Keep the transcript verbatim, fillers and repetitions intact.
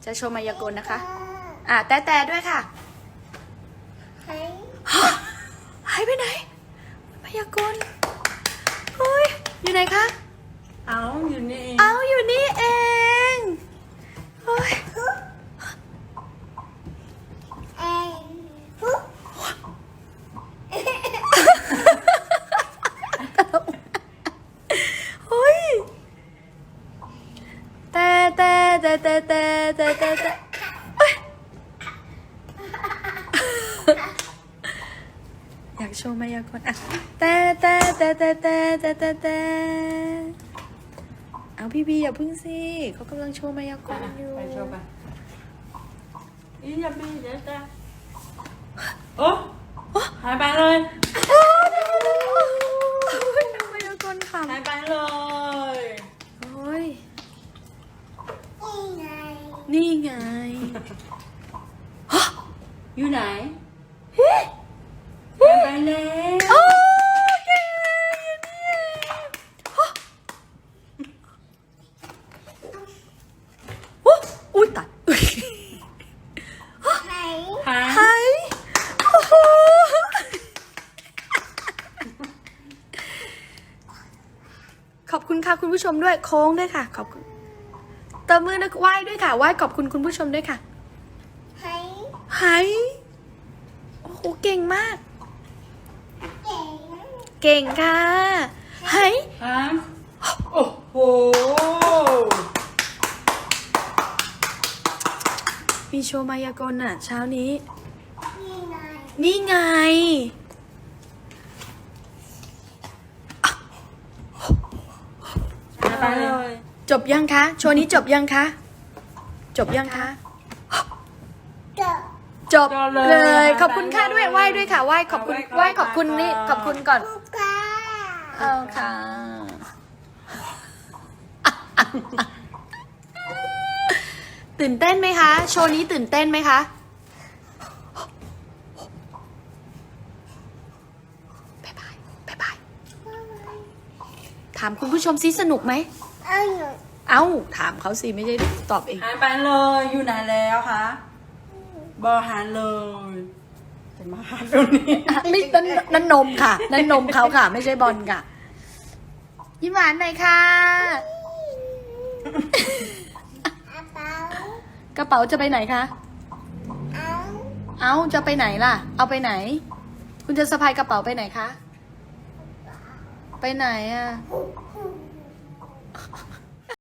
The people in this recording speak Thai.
จะโชว์มายากลนะคะอ่ะแต่แต่ด้วยค่ะหายหายไปไหนมายากลเฮ้ยอยู่ไหนคะเอาอยู่นี่เองเอาอยู่นี่เองเฮ้ยเฮ้ยแต่แต่แต่แต่แต่แต่แต่แต่อยากโชว์มายากลอ่ะแต่แต่แต่แต่แต่แต่แต่แต่เอาพี่บีอย่าพึ่งสิเขากำลังโชว์มายากลอยู่ไปโชว์ไปอีอย่าไปเดี๋ยวจะโอ้หายไปเลยมายากลค่ะหายไปเลยโอ้ยนี่ไงอยู่ไหนหายไปแล้วโอ้ยอยู่นี่โอ้อุ้ยตายหายหายโอ้โหขอบคุณค่ะคุณผู้ชมด้วยโค้งด้วยค่ะขอบคุณตบมือนะไหว้ด้วยค่ะไหว้ขอบคุณคุณผู้ชมด้วยค่ะหายโอ้โหเก่งมากเก่งค่ะหายฮะโอ้โหมีโชว์มายากลอ่ะเช้านี้นี่ไงหายไปเลยจบยังคะโชว์นี้จบยังคะจบยังคะจบเลยขอบคุณค่ะด้วยไหว้ด้วยค่ะไหว้ขอบคุณไหว้ขอบคุณนี่ขอบคุณก่อนเอาค่ะตื่นเต้นไหมคะโชว์นี้ตื่นเต้นไหมคะบ๊ายบายบ๊ายบายถามคุณผู้ชมซิสนุกไหมเอ้าถามเขาสิไม่ใช่ตอบเองหายไปเลยอยู่ไหนแล้วคะบอหาเลยจะมาหาตรงนี้ไม่นั่นนั่นนมค่ะนั่นนมเขาค่ะ ไม่ใช่บอลค่ะยิ้มหวานหน่อยค่ะกระเป๋าจะไปไหนคะเอาจะไปไหนล่ะ เอาไปไหน คุณจะสะพายกระเป๋าไปไหนคะไปไหนอ่ะ